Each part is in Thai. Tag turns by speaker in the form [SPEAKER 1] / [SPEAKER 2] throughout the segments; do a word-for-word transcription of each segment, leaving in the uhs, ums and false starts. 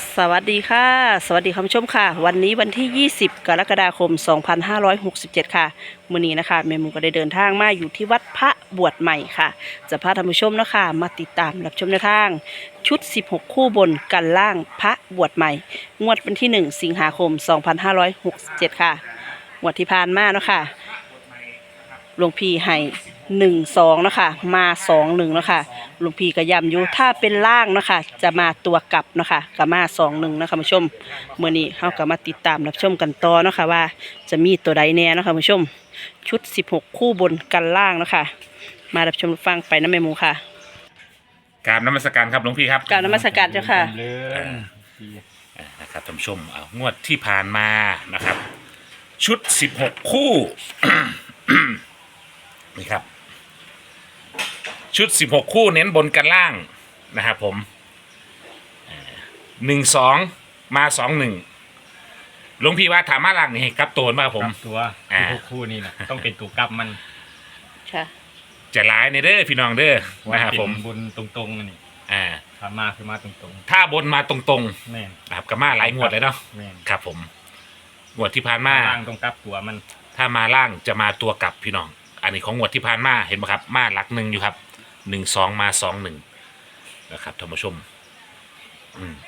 [SPEAKER 1] สวัสดีค่ะสวัสดีคุณผู้ชมค่ะวันนี้วันที่ยี่สิบกรกฎาคมสองพันห้าร้อยหกสิบเจ็ดค่ะมื้อนี้นะคะแม่หมูก็ได้เดินทางมาอยู่ที่วัดพระบวชใหม่ค่ะจะพาท่านผู้ชมนะคะมาติดตามรับชมแนวทางชุดสิบหกคู่บนกันล่างพระบวชใหม่งวดวันที่หนึ่งสิงหาคมสองพันห้าร้อยหกสิบเจ็ดค่ะงวดที่ผ่านมาเนาะค่ะหลวงพี่ให้หนึ่งสองนะคะมาสองหนึ่งนะคะหลวงพี่ก็ย้ำอยู่ถ้าเป็นล่างนะคะจะมาตัวกลับนะคะก็มาสองหนึ่งนะคะผู้ชมเมื่อนี้เขาก็มาติดตามรับชมกันต่อนะคะว่าจะมีตัวใดแน่นะคะผู้ชมชุดสิบหกคู่บนกันล่างนะคะมารับชมฟังไปนะแม่หมูค่ะ
[SPEAKER 2] กราบนมัสการครับหลวงพี่ครับ
[SPEAKER 1] กรารนมัสการเจ้าค่ะ
[SPEAKER 3] เลื่อน
[SPEAKER 2] อ่านะครับท่านผู้ชมเอางวดที่ผ่านมานะครับ ชุดสิบหกคู่ นี่ครับ ชุดสิบหกคู่เน้นบนกันล่างนะครับผมหนึ่งสองมาสองหนึ่งหลวงพี่ว่าถามมาล่างนี่ให้กลับตัวมาครับผม
[SPEAKER 3] กลับตัว
[SPEAKER 2] อ่า
[SPEAKER 3] ที่พวกคู่นี่นะต้องเป็นตัวกลับมัน
[SPEAKER 1] ค่ะ
[SPEAKER 2] จะร้ายในเด้อพี่น้องเด้อ
[SPEAKER 3] ว่า
[SPEAKER 2] นะครับ
[SPEAKER 3] เป็
[SPEAKER 2] ผม
[SPEAKER 3] นบนตรงๆนี่
[SPEAKER 2] อ่า
[SPEAKER 3] ถ้ามาคือมาตรง
[SPEAKER 2] ถ้าบนมาตรง
[SPEAKER 3] ๆแม่น
[SPEAKER 2] ๆนะครับก็มาหลายงวดเลยเนาะ
[SPEAKER 3] แม่น
[SPEAKER 2] ครับผมงวดที่ผ่านมา
[SPEAKER 3] ล่างต้องกลับตัวมัน
[SPEAKER 2] ถ้ามาล่างจะมาตัวกลับพี่น้อง อันนี้ของงวดที่ผ่านมาเห็นไหมครับ มาหลักหนึ่งอยู่ครับหนึ่งสองมาสองหนึ่งนะครับท่านผู้ชม อืม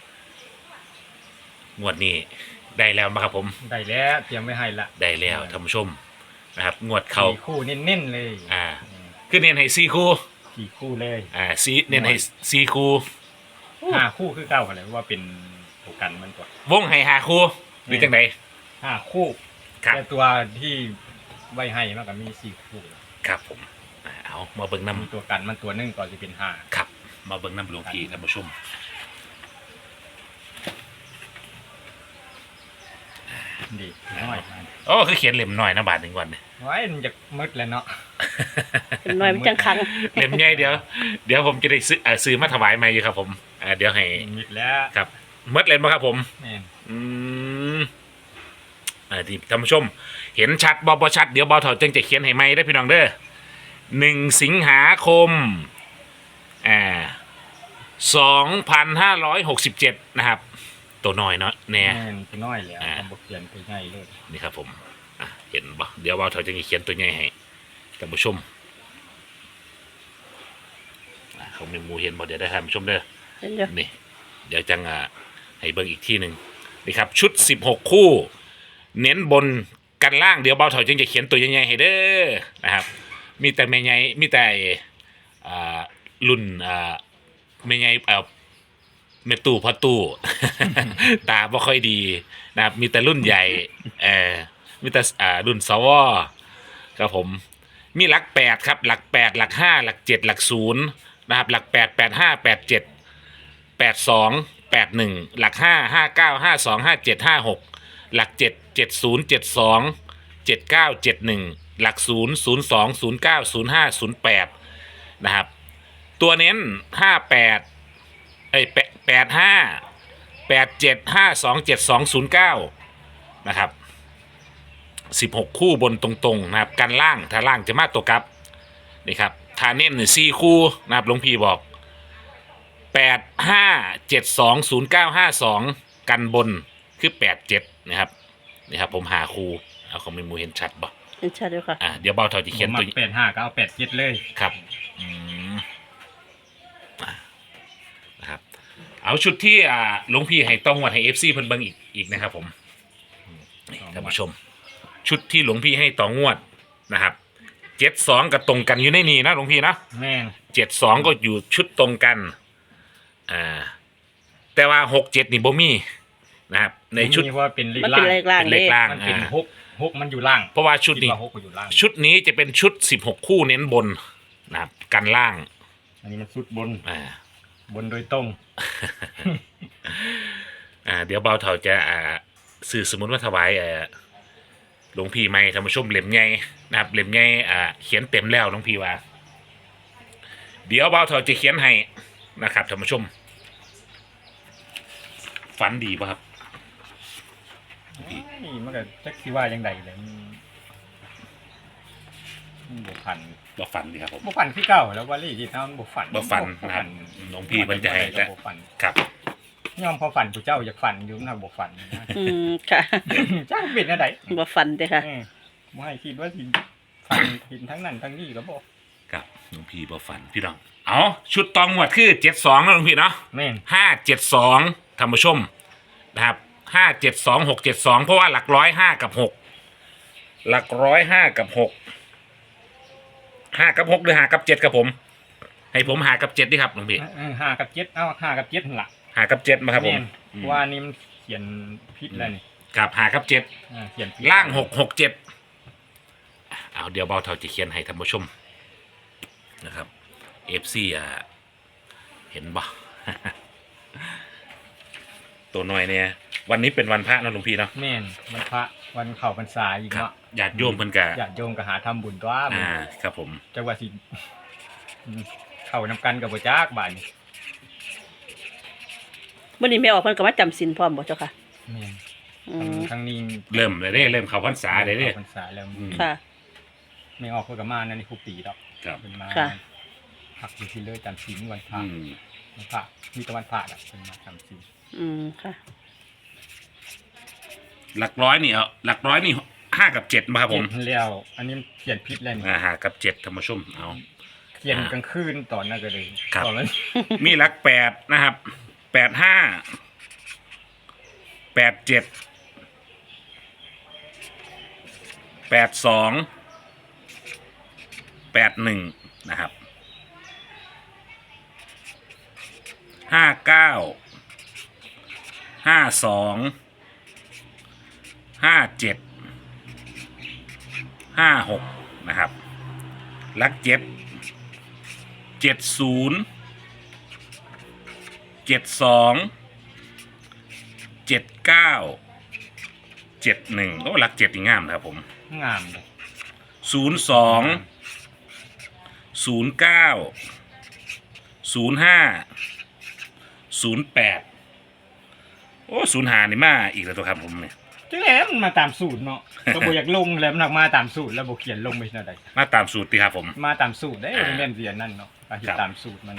[SPEAKER 2] งวดนี้ได้แล้วมาครับผม
[SPEAKER 3] ได้แล้วเตรียมไว้ให้ละ
[SPEAKER 2] ได้แล้วท่านผู้ชมนะครับ งวดเขา
[SPEAKER 3] สี่คู่เน้นๆเลย
[SPEAKER 2] อ่า คือเน้นให้สี่คู่
[SPEAKER 3] สี่คู่เลย
[SPEAKER 2] อ่าซีเน้นให้สี่คู่
[SPEAKER 3] ห้าคู่คือเก้ากันเลยว่าเป็นตัวกันมันตัว
[SPEAKER 2] วงให้ห้าคู่หรือจังได
[SPEAKER 3] ห้าคู่
[SPEAKER 2] ครับ
[SPEAKER 3] แต่ตัวที่ไว้ให้มันก็มีสี่คู่
[SPEAKER 2] ครับผมอ่าเอามาเบิ่ง
[SPEAKER 3] มี
[SPEAKER 2] น้ำ
[SPEAKER 3] ตัวกันมันตัวหนึงก่อนจะเป็นห้า
[SPEAKER 2] ครับ มาเบิ่งน้ำหลวงพี่ท่านผู้ชม
[SPEAKER 3] ดีน้อย
[SPEAKER 2] โอ้คือเขียนเล่มหน่อยนะบาทหนึ่งวันเนี่ย
[SPEAKER 3] ไว้มันจะมืดแล้วเนาะ
[SPEAKER 1] เป็นน้อยมันจังคัง
[SPEAKER 2] เล่มใหญ่เดี๋ยวเดี๋ยวผมจะได้ซื้อเอ่อซื้อมาถวายใหม่อยู่ครับผมอ่าเดี๋ยวให้
[SPEAKER 3] มืดแล้ว
[SPEAKER 2] ครับเมื่อเล่มมาครับผม
[SPEAKER 3] แม่น
[SPEAKER 2] อืมอ่าที่ท่านผู้ชม เห็นชัดบอบชัดเดี๋ยวบอถอดจึงจะเขียนให้ใหม่ได้พี่น้องเด้อหนึ่งสิงหาคมอ่าสองพันห้าร้อยหกสิบเจ็ดนะครับ ตัวน้อยเนาะเนี่ย
[SPEAKER 3] แม่นตัวน้อยแล้ว
[SPEAKER 2] อ่า
[SPEAKER 3] ทำบทเรียนตัวใหญ่เลย
[SPEAKER 2] นี่ครับผมอ่ะเห็นปะเดี๋ยวบอถอดจึงจะเขียนตัวใหญ่ให้ท่านผู้ชมอ่าเขาไม่มูเห็นบอเดี๋ยวได้ท่านผู้ชมเด้อ
[SPEAKER 1] เห็นอยู่
[SPEAKER 2] นี่เดี๋ยวจังอ่ะให้เบิ่งอีกที่หนึ่งนี่ครับชุดสิบหกคู่ เน้นบนกันล่างเดี๋ยวเบาถอยจึงจะเขียนตัวใหญ่ๆให้เด้อนะครับ มีแต่แม่ใหญ่มีแต่อ่ารุ่นอ่าแม่ใหญ่เอ่อแม่ตู่พ่อตู่ ตาบ่ค่อยดีนะครับมีแต่รุ่นใหญ่เออมีแต่อ่ารุ่นสวครับผม มีหลักแปดครับหลักแปดหลักห้าหลักเจ็ดหลักศูนย์นะครับหลักแปดแปดห้าแปดเจ็ดแปดสองแปดหนึ่งหลักห้าห้าเก้าห้าสองห้าเจ็ดห้าหกหลักเจ็ดเจ็ดศูนย์เจ็ดสองเจ็ดเก้าเจ็ดหนึ่งหลักศูนย์ศูนย์สองศูนย์เก้าศูนย์ห้าศูนย์แปดนะครับตัวเน้นห้าแปดเอ้ยแปดแปดห้าแปดเจ็ดห้าสองเจ็ดสองศูนย์เก้านะครับสิบหกคู่บนตรงๆนะครับกันล่างถ้าล่างจะมาตัวกลับนี่ครับทาเน้นสี่คู่นะครับหลวงพี่บอกแปดห้าเจ็ดสองศูนย์เก้าห้าสองกันบนคือแปดเจ็ดนะครับนี่ครับผมหาคู่เอาของเมมูเห็นชัดบ่
[SPEAKER 1] เห็นชัดอยู่ค่ะ
[SPEAKER 2] อ่ะเดี๋ยวเบาเท่าจะเขียน
[SPEAKER 3] ผม
[SPEAKER 2] ตัว
[SPEAKER 3] มาแปดห้าก็เอาแปดเจ็ดเลย
[SPEAKER 2] ครับอืมอ่ะนะครับเอาชุดที่อ่าหลวงพี่ให้ต้องวัดให้เอฟซีเพิ่นเบิ่งอีกอีกนะครับผมนี่ท่านผู้ชม ชุดที่หลวงพี่ให้ต่องวดนะครับเจ็ดสองกับตรงกันอยู่ในนี้นะหลวงพี่นะ
[SPEAKER 3] แม่น
[SPEAKER 2] เจ็ดสองก็อยู่ชุดตรงกันอ่าแต่ว่าหกเจ็ดนี่บ่มีนะครับในชุด
[SPEAKER 3] นี่ว่าเป็นเลข
[SPEAKER 1] มัน
[SPEAKER 3] ล่า
[SPEAKER 1] เป็น
[SPEAKER 3] ง
[SPEAKER 1] เลขล่าง
[SPEAKER 2] เป็นเล
[SPEAKER 1] เด้
[SPEAKER 2] ขล่าง
[SPEAKER 3] มันเป็น
[SPEAKER 2] อ่า
[SPEAKER 3] หกหกมันอยู่ล่าง
[SPEAKER 2] เพราะว่าชุด
[SPEAKER 3] คิ
[SPEAKER 2] นี้
[SPEAKER 3] ว่าหกมันอยู่ล่าง
[SPEAKER 2] ชุดนี้จะเป็นชุดสิบหกคู่เน้นบนนะครับกันล่าง
[SPEAKER 3] อันนี้มันสุดบน
[SPEAKER 2] อ่า
[SPEAKER 3] บนโดยตรง
[SPEAKER 2] อ่าเดี๋ยวเบาเถาจะอ่าสื่อสมุนมาถวายอ่าหลวงพี่ไม่ท่านผู้ชมเล่มใหญ่นะครับเล่มใหญ่อ่าเขียนเต็มแล้วหลวงพี่ว่า เดี๋ยวเบาเถาจะเขียนให้นะครับท่านผู้ชม ฝันดีป่ะครับ
[SPEAKER 3] นี่มันก็จักสิว่ายังไงเลยมันมันบวพัน
[SPEAKER 2] บ่ฝันดีครับผม
[SPEAKER 3] บวพันที่เก่าแล้วว่าลี่ที่ทำบวฝัน
[SPEAKER 2] บ่ฝันนะครับหลวงพี่มันจะให้
[SPEAKER 3] แต่บวฝัน
[SPEAKER 2] ครับ
[SPEAKER 3] ยอมพอฝันผู้เจ้าอยากฝันอยู่นะบ่ฝันนะ
[SPEAKER 1] อืมค่ะ
[SPEAKER 3] จ้าเป็นอะไร
[SPEAKER 1] บ่ฟันเด้อค่ะ
[SPEAKER 3] เออบ่ให้คิดว่าสิฝันเห็นทั้งนั้นทั้งนี้ก็บ่
[SPEAKER 2] ครับหลวงพี่บ่ฝันพี่น้องเอาชุดตองหมวดคือเจ็ดสองนะหลวงพี่เนาะ
[SPEAKER 3] แม่น
[SPEAKER 2] ห้าเจ็ดสองท่านผู้ชมนะครับห้าเจ็ดสองหกเจ็ดสองเพราะว่าหลักร้อยห้ากับหกหลักร้อยห้ากับหกห้ากับหกหรือห้ากับเจ็ดครับผม ให้ผมหากับเจ็ดดิครับหลวงพี่
[SPEAKER 3] เออห้ากับเจ็ดเอาห้ากับเจ็ดนั่นล่ะ
[SPEAKER 2] หากับเจ็ดมาครับผม
[SPEAKER 3] แม่นเพราะว่านี่มันเขียนผิดแล้วนี่
[SPEAKER 2] ครับหากับเจ็ด
[SPEAKER 3] อ่าเขียนผิด
[SPEAKER 2] ล่างหกหกเจ็ดเอาเดี๋ยวเบาเท่าจะเขียนให้ท่านผู้ชมนะครับเอฟซีอ่ะเห็นบ่ ตัวน้อยเนี่ยวันนี้เป็นวันพระนะหลวงพี่เนาะ
[SPEAKER 3] แม่นวันพระวันเข้าพรรษาอีก
[SPEAKER 2] ครับ
[SPEAKER 3] เนาะ
[SPEAKER 2] ญาติโยมเพิ่นกะ
[SPEAKER 3] ญาติโยมก็หาทำบุญตัว
[SPEAKER 2] อ่าครับผม
[SPEAKER 3] จังว่าสิอืมเข้านำกันกับบ่จักบาดนี้
[SPEAKER 1] มื้อนี้แม่ออกเพิ่นก็มาจำศีลพร้อมบ่เจ้าค่ะ
[SPEAKER 3] แม่น
[SPEAKER 1] อื
[SPEAKER 3] ทาง
[SPEAKER 1] ม
[SPEAKER 3] ทางนี้
[SPEAKER 2] เริ่มเลยเด้เริ่มเข้าพรรษาเลยเด้
[SPEAKER 3] ข้พรรษาแล้ว
[SPEAKER 2] อืม
[SPEAKER 1] ค่ะ
[SPEAKER 3] ไม่ออกเพิ่นก็มานั่นนี่คุปีดอก
[SPEAKER 2] ครับ
[SPEAKER 3] เพิ่นมา
[SPEAKER 1] ค่ะ
[SPEAKER 3] พักอยู่ที่เลยจำศีลวันพระ
[SPEAKER 2] อืม
[SPEAKER 3] วันพระมีแต่วันพระอ่ะเพิ่นมาจำศีล
[SPEAKER 1] อืมค่ะ
[SPEAKER 2] หลักร้อยนี่เอาหลักร้อยนี่ห้ากับเจ็ดมาครับผม
[SPEAKER 3] เขียนแล้วอันนี้เขียนผิดแล้วนี่
[SPEAKER 2] อ่าหากับเจ็ดท่านผู้ชมเอา
[SPEAKER 3] เขียนกลางคืนตอนนั้นก็เลย
[SPEAKER 2] ครับ
[SPEAKER 3] ตอนนั้น
[SPEAKER 2] มีหลักแปดนะครับแปดห้าแปดเจ็ดแปดสองแปดหนึ่งนะครับห้าเก้าห้าสองห้าเจ็ดห้าหกนะครับหลักเจ็ดเจ็ดศูนย์เจ็ดสองเจ็ดเก้าเจ็ดหนึ่งโอ้หลักเจ็ดนี่งามนะครับผม
[SPEAKER 3] งามเลย
[SPEAKER 2] ศูนย์สองศูนย์เก้าศูนย์ห้าศูนย์แปดโอ้ศูนย์ห้านี่มาอีกแล้วตัวครับผมเนี่ย
[SPEAKER 3] จังแล้วมันมาตามสูตรเนาะ ก็บ่อยากลงแล้วมันออกมาตามสูตรแล้วบ่เขียนลงไปเท่าใด
[SPEAKER 2] มาตามสูตรดีครับผม
[SPEAKER 3] มาตามสูตรได้
[SPEAKER 2] อ่า
[SPEAKER 3] มันแม่นเสียนั่นเนาะก็เฮ็ด
[SPEAKER 2] ครับ
[SPEAKER 3] ตามสูตรมัน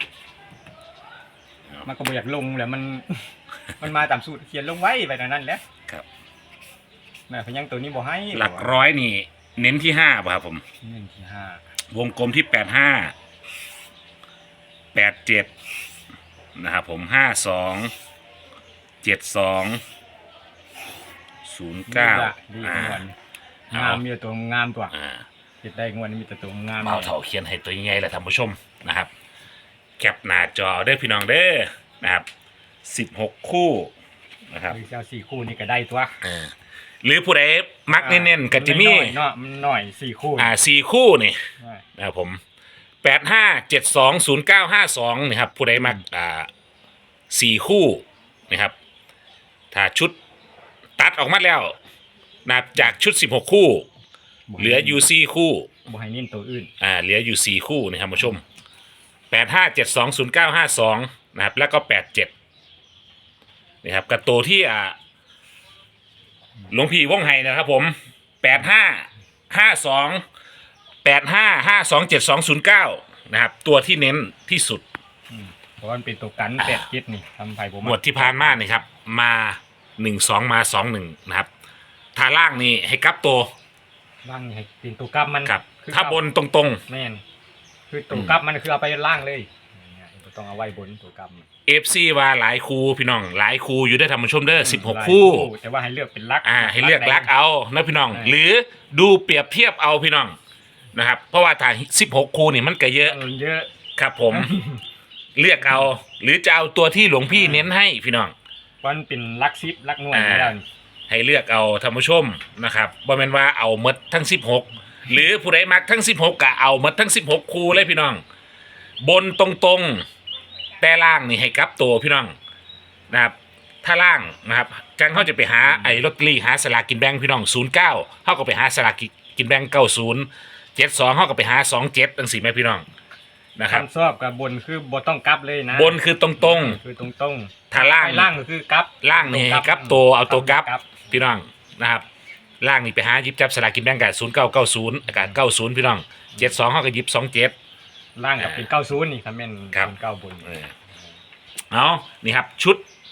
[SPEAKER 3] มันก็บ่อยากลงแล้วมัน มันมาตามสูตรเขียนลงไว้ไปตรงนั้นแหละ
[SPEAKER 2] ครับ
[SPEAKER 3] แม่พยังตัวนี้บ่ให้
[SPEAKER 2] หลักร้อยนี่เน้นที่ห้าป่ะครับผม
[SPEAKER 3] เงินที่ห้าว
[SPEAKER 2] งกลมที่แปดห้าแปดเจ็ดนะครับผมห้าสองเจ็ดสองศูนย์เก้า
[SPEAKER 3] ดี
[SPEAKER 2] อ่า
[SPEAKER 3] งวน
[SPEAKER 2] เอา
[SPEAKER 3] งามมีแต่ตัวงามตัว
[SPEAKER 2] อ่า
[SPEAKER 3] เฮ็ดได้งวนมีแต่ตัวงาม
[SPEAKER 2] เบาเถาเขียนให้ตัวยังไงล่ะท่านผู้ชมนะครับแคปหน้าจอเด้อพี่น้องเด้อนะครับสิบหกคู่นะครับ
[SPEAKER 3] หรือเจ้าสี่คู่นี่ก็ได้ตัว
[SPEAKER 2] อ่าหรือผู้ใดมักเน้นๆกับจิมี่
[SPEAKER 3] น้อยๆเนาะมันน้อยสี่คู่
[SPEAKER 2] อ่าสี่คู่นี่
[SPEAKER 3] น้อย
[SPEAKER 2] นะครับผมแปดห้าเจ็ดสองศูนย์เก้าห้าสองนี่ครับผู้ใดมักอ่าสี่คู่นะครับถ้าชุดตัดออกมาแล้วนะครับจากชุดสิบหกคู่ เหลืออยู่สี่คู่
[SPEAKER 3] บ่ให้เน้นตัวอื่น
[SPEAKER 2] อ่าเหลืออยู่สี่คู่นะครับผู้ชมแปดห้าเจ็ดสองศูนย์เก้าห้าสองนะครับแล้วก็แปดเจ็ดนะครับกับตัวที่อ่าหลวงพี่ว่องไห้นะครับผมแปดห้าห้าสองแปดห้าห้าสองเจ็ดสองศูนย์เก้านะครับตัวที่เน้นที่สุด
[SPEAKER 3] อืมเพราะว่ามันเป็นตัวกัน
[SPEAKER 2] อ่า
[SPEAKER 3] แปดเจ็ดนี่ทำไผบ่
[SPEAKER 2] หมวดที่ผ่านมานี่ครับมาหนึ่งสองมาสองหนึ่งนะครับทาล่างนี่ให้กลับตัว
[SPEAKER 3] ล่างนี่ให้เป็นตัวกลับมัน
[SPEAKER 2] ครับ
[SPEAKER 3] คือ
[SPEAKER 2] ถ้าบนตรง
[SPEAKER 3] แม่นคือตัวกลับมันคือเอาไปล่างเลยเนี่ยบ่ต้องเอาไว้บนตัวกลับมัน
[SPEAKER 2] ๆเอฟซีว่าหลายคูพี่น้องหลายคูอยู่ได้ทำผู้ชมเด้อสิบหก
[SPEAKER 3] ลาย
[SPEAKER 2] คู่
[SPEAKER 3] แต่ว่าให้เลือกเป็นลัก
[SPEAKER 2] อ่าให้เลือกลักเอานะพี่น้อง หรือดูเปรียบเทียบเอาพี่น้องนะครับ เพราะว่าถ้าสิบหกคูนี่มันก็เยอะ
[SPEAKER 3] เออเยอะ
[SPEAKER 2] ครับผม เลือกเอา หรือจะเอาตัวที่หลวงพี่เน้นให้พี่น้อง
[SPEAKER 3] วันเป็นลักซิปลักหน่วย
[SPEAKER 2] อ่า
[SPEAKER 3] อยู่แล้วนี่
[SPEAKER 2] ให้เลือกเอาท่านผู้ชมนะครับบ่แม่นว่าเอาหมดทั้งสิบหกหรือผู้ใดมักทั้งสิบหกก็เอาหมดทั้งสิบหกคูเลยพี่น้อง บนตรงๆแต่ล่างนี่ให้กลับตัวพี่น้องนะครับ ถ้าล่างนะครับจังเขาจะไปหาไอ้ลอตเตอรี่หาสลากกินแบ่งพี่น้องศูนย์เก้าเขาก็ไปหาสลากกินแบ่งเก้าศูนย์เจ็ดสองเขาก็ไปหาสองเจ็ดตั้งสี่แม่พี่น้องนะครับ
[SPEAKER 3] คำชอบกับบนคือบ่ต้องกลับเลยนะ
[SPEAKER 2] บนคือตรง
[SPEAKER 3] คือตรงตรง
[SPEAKER 2] ถ้าล่าง
[SPEAKER 3] ล่างก็คือกลับ
[SPEAKER 2] ล่างนี่ให้กลับตัวเอาตัวกลับ
[SPEAKER 3] กลับ
[SPEAKER 2] ๆพี่น้องนะครับล่างนี่ไปหาหยิบจับสลากกินแบ่งกับศูนย์เก้าเก้าศูนย์อากาศเก้าศูนย์พี่น้องเจ็ดสองเขาก็หยิบสองเจ็ด
[SPEAKER 3] ล่างกับเป็นเก้าศูนย์นี่ครับแม่น
[SPEAKER 2] ครับ
[SPEAKER 3] เป็นเก้าบน
[SPEAKER 2] เออเอานี่ครับชุด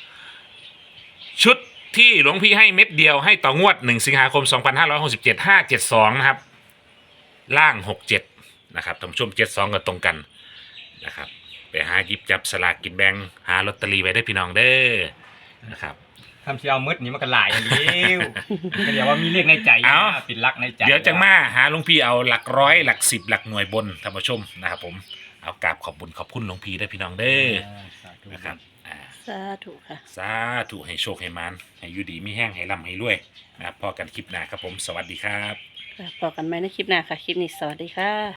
[SPEAKER 2] ชุดที่หลวงพี่ให้เม็ดเดียวให้ต่องวดหนึ่งสิงหาคมสองพันห้าร้อยหกสิบเจ็ด ห้าเจ็ดสองนะครับล่างหกเจ็ดนะครับท่านผู้ชมเจ็ดสองก็ตรงกันนะครับไปหาหยิบจับสลากกินแบ่งหาลอตเตอรี่ไว้ได้พี่น้องเด้อนะครับ
[SPEAKER 3] ทำเชียวมืดนี่มันก็หลายอันเดียวก็เดี๋ยวว่ามีเลขในใจ
[SPEAKER 2] เอ้า
[SPEAKER 3] นะปิดลักในใจ
[SPEAKER 2] เดี๋ยวจังมาหาหลวงพี่เอาหลักร้อยหลักสิบหลักหน่วยบนท่านผู้ชมนะครับผมเอากราบขอบบุญขอบคุณหลวงพี่ได้อพี่น้องเด้อ
[SPEAKER 3] อ่าสาธุ
[SPEAKER 2] นะครับอ่า
[SPEAKER 1] สาธุค่ะ
[SPEAKER 2] สาธุให้โชคให้มานให้อยู่ดีมีแห้งให้ร่ำให้รวยนะครับพอกันคลิปหน้าครับผมสวัสดีครับ
[SPEAKER 1] ค่ะพบกันไหมในคลิปหน้าค่ะ คลิปนี้สวัสดีค่ะ